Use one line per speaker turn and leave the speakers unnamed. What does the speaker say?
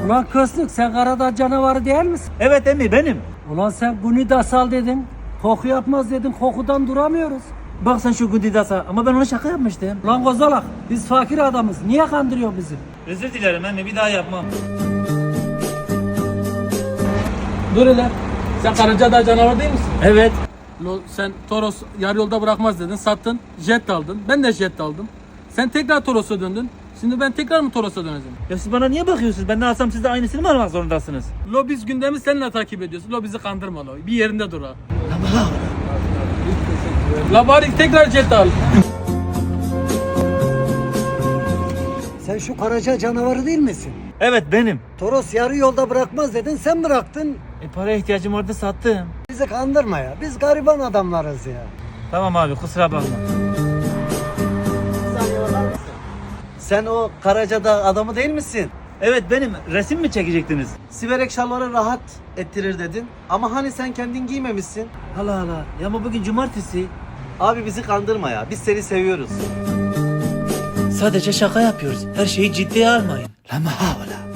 Ulan Köslük, sen Karadağ canavarı değil misin?
Evet emmi benim.
Ulan sen Gunidasal dedin. Koku yapmaz dedin. Kokudan duramıyoruz.
Bak sen şu Gudidas'a ama ben ona şaka yapmıştım.
Ulan Kozalak, biz fakir adamız. Niye kandırıyor bizi?
Özür dilerim emmi, bir daha yapmam.
Dur hele. Sen Karacadağ canavarı değil misin?
Evet.
Sen Toros yarı yolda bırakmaz dedin. Sattın. Jet aldın. Ben de jet aldım. Sen tekrar Toros'a döndün. Şimdi ben tekrar mı Toros'a döneceğim?
Ya siz bana niye bakıyorsunuz? Ben ne alsam siz de aynısını mı almak zorundasınız?
Biz gündemi seninle takip ediyoruz. Bizi kandırma lo. Bir yerinde dur ha. La bari tekrar jet al.
Sen şu Karaca canavarı değil misin?
Evet benim.
Toros yarı yolda bırakmaz dedin. Sen bıraktın.
Paraya ihtiyacım vardı, sattım.
Bizi kandırma ya. Biz gariban adamlarız ya.
Tamam abi, kusura bakma.
Sen o Karacadağ adamı değil misin?
Evet benim. Resim mi çekecektiniz?
Siverek şalvarı rahat ettirir dedin. Ama hani sen kendin giymemişsin.
Hala hala. Ya ama bugün cumartesi.
Abi bizi kandırma ya. Biz seni seviyoruz.
Sadece şaka yapıyoruz. Her şeyi ciddiye almayın. Lama havla.